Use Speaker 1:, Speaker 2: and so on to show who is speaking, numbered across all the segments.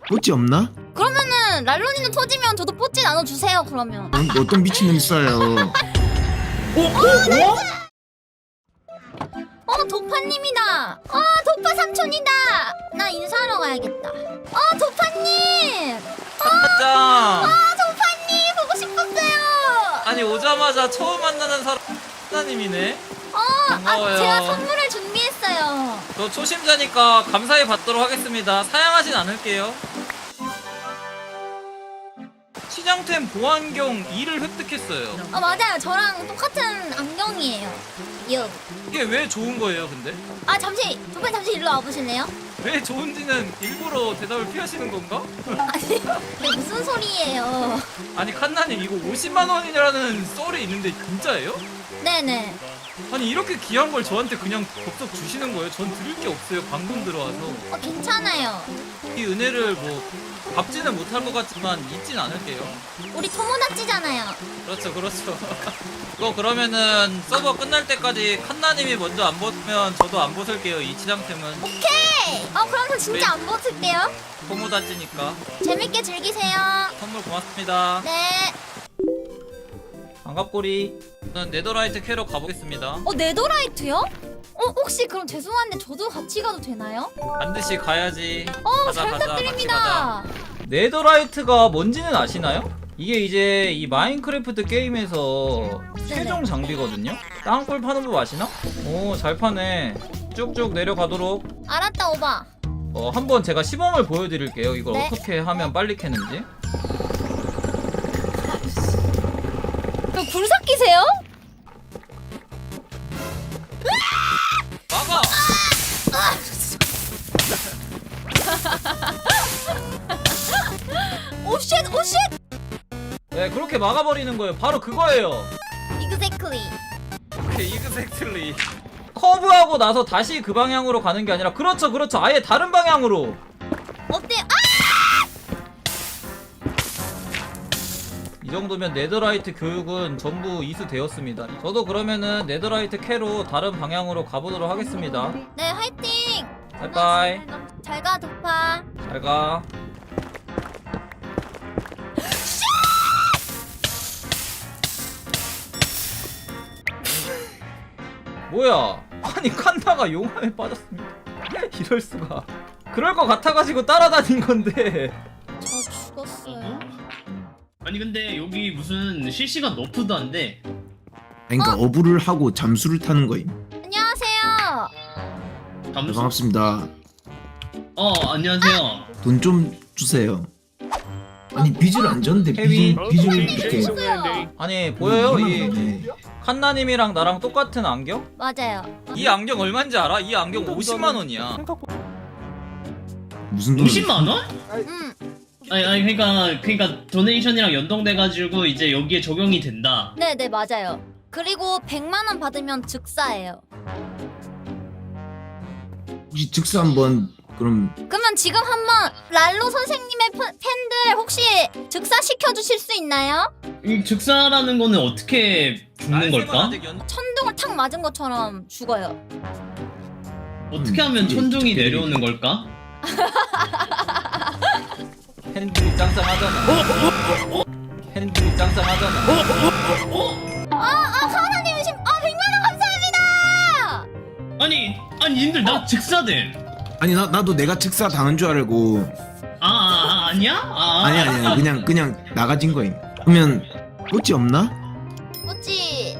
Speaker 1: 뽀찌 없나?
Speaker 2: 그러면은 랄론이는 터지면 저도 뽀찌 나눠주세요. 그러면.
Speaker 1: 어떤 미친놈 있어요.
Speaker 2: 도파님이다. 도파 삼촌이다. 나 인사하러 가야겠다. 도파님.
Speaker 3: 짱!
Speaker 2: 도파님 보고 싶었어요.
Speaker 3: 아니 오자마자 처음 만나는 사람 하나님이네. 반가워요.
Speaker 2: 제가 선물을 준비했어요.
Speaker 3: 저 초심자니까 감사히 받도록 하겠습니다. 사양하진 않을게요. 시장템 보안경 2를 획득했어요.
Speaker 2: 맞아요. 저랑 똑같은 안경이에요. 요.
Speaker 3: 이게 왜 좋은 거예요, 근데?
Speaker 2: 잠시 도파님 잠시 일로 와보실래요?
Speaker 3: 왜 좋은지는 일부러 대답을 피하시는 건가?
Speaker 2: 아니 이게 무슨 소리예요?
Speaker 3: 아니 칸나님 이거 50만 원이라는 썰이 있는데 진짜예요?
Speaker 2: 네네.
Speaker 3: 아니 이렇게 귀한 걸 저한테 그냥 덥석 주시는 거예요? 전 드릴 게 없어요. 방금 들어와서.
Speaker 2: 괜찮아요.
Speaker 3: 이 은혜를 뭐 갚지는 못할 것 같지만 잊진 않을게요.
Speaker 2: 우리 토모다치잖아요.
Speaker 3: 그렇죠, 그렇죠. 이거 그러면은 서버 끝날 때까지 칸나님이 먼저 안 벗으면 저도 안 벗을게요. 이 치장템은
Speaker 2: 오케이. 그럼 저 진짜 안 벗을게요.
Speaker 3: 토모다찌니까.
Speaker 2: 재밌게 즐기세요.
Speaker 3: 선물 고맙습니다.
Speaker 2: 네.
Speaker 3: 반갑고리. 저는 네더라이트 캐러 가보겠습니다.
Speaker 2: 네더라이트요? 혹시 그럼 죄송한데 저도 같이 가도 되나요?
Speaker 3: 반드시 가야지.
Speaker 2: 잘
Speaker 3: 같이
Speaker 2: 부탁드립니다.
Speaker 3: 가자. 네더라이트가 뭔지는 아시나요? 이게 이제 이 마인크래프트 게임에서 최종 장비거든요? 땅굴 파는 법 아시나? 오, 잘 파네. 쭉쭉 내려가도록.
Speaker 2: 알았다 오바.
Speaker 3: 한번 제가 시범을 보여드릴게요. 이걸
Speaker 2: 네.
Speaker 3: 어떻게 하면 빨리 캐는지.
Speaker 2: 굴삭기세요?
Speaker 3: 막아!
Speaker 2: 오쉣 오쉣.
Speaker 3: 네, 그렇게 막아버리는 거예요. 바로 그거예요.
Speaker 2: Exactly.
Speaker 3: 오케이, 이그젝틀리. 커브하고 나서 다시 그 방향으로 가는 게 아니라 그렇죠, 그렇죠. 아예 다른 방향으로.
Speaker 2: 어때요?
Speaker 3: 이 정도면 네더라이트 교육은 전부 이수되었습니다. 저도 그러면은 네더라이트 캐로 다른 방향으로 가보도록 하겠습니다.
Speaker 2: 네 화이팅.
Speaker 3: 바이바이.
Speaker 2: 잘가 도파.
Speaker 3: 잘 가. 뭐야? 아니 칸나가 용암에 빠졌습니다. 이럴 수가. 그럴 것 같아가지고 따라다닌 건데.
Speaker 2: 저 죽었어요.
Speaker 4: 아니 근데 여기 무슨 실시간 너프도 안 돼.
Speaker 1: 그러니까 어부를 하고 잠수를 타는 거임.
Speaker 2: 안녕하세요.
Speaker 1: 네,
Speaker 4: 잠수?
Speaker 1: 반갑습니다.
Speaker 4: 안녕하세요.
Speaker 1: 돈 좀 주세요. 아니 빚을 안 졌는데
Speaker 3: 헤비.
Speaker 1: 빚을 이렇게.
Speaker 3: 아니 보여요? 이
Speaker 1: 네.
Speaker 3: 칸나님이랑 나랑 똑같은 안경?
Speaker 2: 맞아요.
Speaker 3: 이 안경 얼마인지 알아? 이 안경 50만 원이야.
Speaker 1: 무슨 돈?
Speaker 4: 50만 원?
Speaker 2: 음.
Speaker 4: 아니 그러니까 도네이션이랑 연동돼가지고 이제 여기에 적용이 된다.
Speaker 2: 네네 맞아요. 그리고 100만 원 받으면 즉사예요.
Speaker 1: 혹시 즉사 한번 그럼
Speaker 2: 그러면 지금 한번 랄로 선생님의 팬들 혹시 즉사 시켜주실 수 있나요?
Speaker 4: 이 즉사라는 거는 어떻게 죽는 걸까?
Speaker 2: 천둥을 탁 맞은 것처럼 죽어요.
Speaker 4: 어떻게 하면
Speaker 1: 이게
Speaker 4: 천둥이
Speaker 1: 특별히-
Speaker 4: 내려오는 걸까?
Speaker 3: 팬들이 짱짱하잖아. 팬들이 짱짱하잖아.
Speaker 2: 하나님 100만 원 감사합니다.
Speaker 4: 아니 님들 나 즉사돼.
Speaker 1: 아니 나도 내가 즉사 당한 줄 알고.
Speaker 4: 아니야?
Speaker 1: 아니 그냥 나가진 거임. 그러면 뽀찌 없나?
Speaker 2: 뭐지?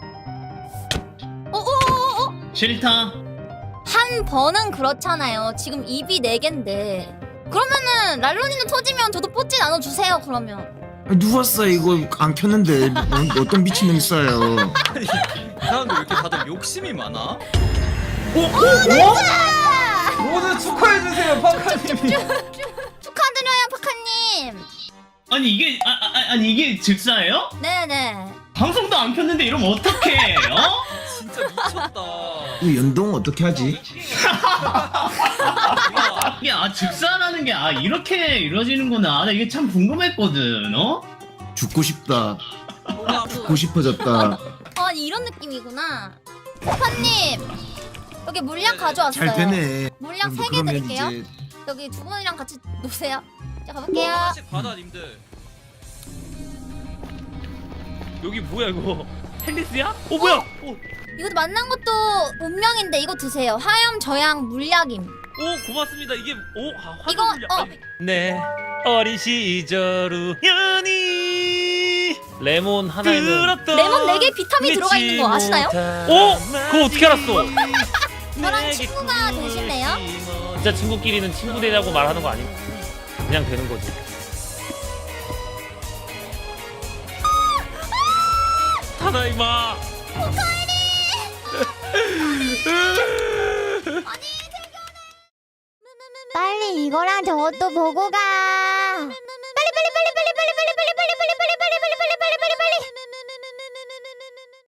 Speaker 4: 싫다.
Speaker 2: 한 번은 그렇잖아요. 지금 입이 4개인데. 그러면은 랄론이는 터지면 저도 뽀찌 나눠주세요. 그러면.
Speaker 1: 아니, 누웠어 이거 안 켰는데 어떤 미친놈 있어요.
Speaker 3: 이 사람들 왜 이렇게 다들 욕심이 많아? 모두 축하해주세요, 파카님이.
Speaker 2: 축하드려요, 파카님.
Speaker 4: 아니 이게 아니 이게 즉사예요?
Speaker 2: 네네.
Speaker 4: 방송도 안 켰는데 이러면 어떡해?
Speaker 3: 진짜 미쳤다.
Speaker 1: 이 연동 어떻게 하지?
Speaker 4: 이게 즉사라는 게 이렇게 이루어지는구나. 나 이게 참 궁금했거든.
Speaker 1: 죽고 싶다. 죽고 싶어졌다.
Speaker 2: 이런 느낌이구나. 파파님 여기 물약 가져왔어요.
Speaker 1: 잘 되네.
Speaker 2: 물약 3개
Speaker 1: 그러면
Speaker 2: 드릴게요.
Speaker 1: 이제
Speaker 2: 여기 두 분이랑 같이 노세요. 자 가볼게요.
Speaker 5: 하나씩 받아 님들. 여기 뭐야 이거? 헬리스야? 뭐야?
Speaker 2: 이것도 만난 것도 운명인데 이거 드세요. 하염 저양 물약임.
Speaker 5: 고맙습니다. 이게
Speaker 2: 이거
Speaker 5: 네 어린 시절 우연히 레몬 하나에는
Speaker 2: 레몬 4개 비타민 들어가 있는 거 아시나요?
Speaker 5: 그거 어떻게 알았어?
Speaker 2: 저랑 친구가 되실래요?
Speaker 5: 진짜 친구끼리는 친구 되자고 말하는 거 아니고 그냥 되는 거지. 타다이마.
Speaker 2: 빨리 이거랑 저것도 보고 가. 빨리.